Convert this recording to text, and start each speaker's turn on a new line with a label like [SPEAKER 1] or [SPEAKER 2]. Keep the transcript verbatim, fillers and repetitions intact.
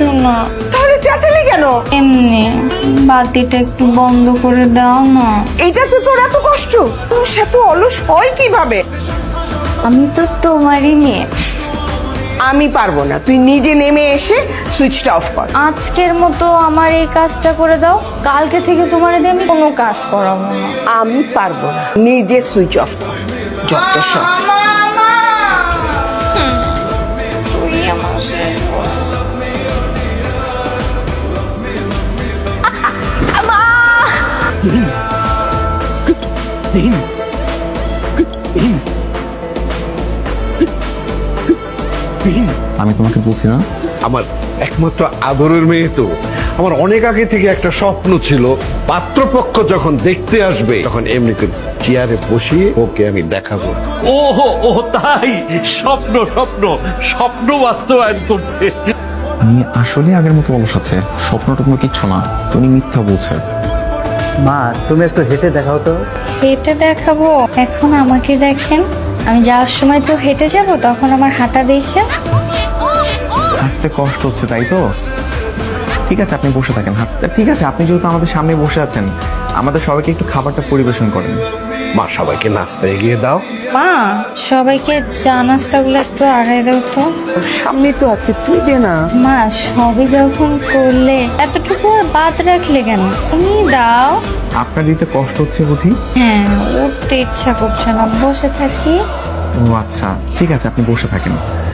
[SPEAKER 1] কিছু না।
[SPEAKER 2] তাহলে চেঁচালি কেন?
[SPEAKER 1] এমনি বাতিটা একটু বন্ধ করে দাও না।
[SPEAKER 2] এইটা তো তোর এত কষ্ট, তোর সাথে অলস হয় কিভাবে?
[SPEAKER 1] আমি তো তোমারই মেয়ে।
[SPEAKER 2] আমি পারবো না, তুই নিজে নেমে এসে সুইচটা অফ কর।
[SPEAKER 1] আজকের মতো আমার এই কাজটা করে দাও, কালকে থেকে তোমার দিয়ে আমি কোনো কাজ করাবো না।
[SPEAKER 2] আমি পারবো না, নিজে সুইচ অফ কর। যত সব
[SPEAKER 1] তুই আমার শেষ বল।
[SPEAKER 3] আমি তোমাকে বলছি না,
[SPEAKER 4] আমার একমাত্র আদরের মেয়ে তো। আমার অনেক আগে থেকে একটা স্বপ্ন ছিল, পাত্রপক্ষ যখন দেখতে আসবে তখন এমনি করে চেয়ারে বসিয়ে ওকে আমি দেখাবো।
[SPEAKER 5] ওহো ও তাই, স্বপ্ন স্বপ্ন স্বপ্ন বাস্তবায়ন করছে।
[SPEAKER 3] উনি আসলে আগের মতো অলস আছে, স্বপ্ন টপ্ন কিচ্ছু না, উনি মিথ্যা বলছে।
[SPEAKER 6] মা তুমি একটু হেঁটে দেখাও তো।
[SPEAKER 1] হেঁটে দেখাবো? এখন আমাকে দেখেন, আমি যাওয়ার সময় তো হেঁটে যাব, তখন আমার হাঁটা দেখে।
[SPEAKER 3] হাঁটতে কষ্ট হচ্ছে তাই তো? ঠিক আছে আপনি বসে থাকেন, হাঁটতে ঠিক আছে। আপনি যেহেতু আমাদের সামনে বসে আছেন, আমাদের সবাইকে একটু খাবারটা পরিবেশন করেন।
[SPEAKER 4] মা সবাইকে নাস্তা এগিয়ে দাও।
[SPEAKER 1] মা সবাইকে চা নাস্তাগুলো একটু আগায় দাও তো।
[SPEAKER 2] সামনে তো আছে, তুই দে না।
[SPEAKER 1] মা সবই যখন করলে এতটুকু আর বাদ রাখলে কেন, তুমি দাও।
[SPEAKER 3] আপনার দিতে কষ্ট হচ্ছে বুঝি?
[SPEAKER 1] হ্যাঁ, উঠতে ইচ্ছা করছে না, বসে থাকি।
[SPEAKER 3] ও আচ্ছা ঠিক আছে, আপনি বসে থাকেন।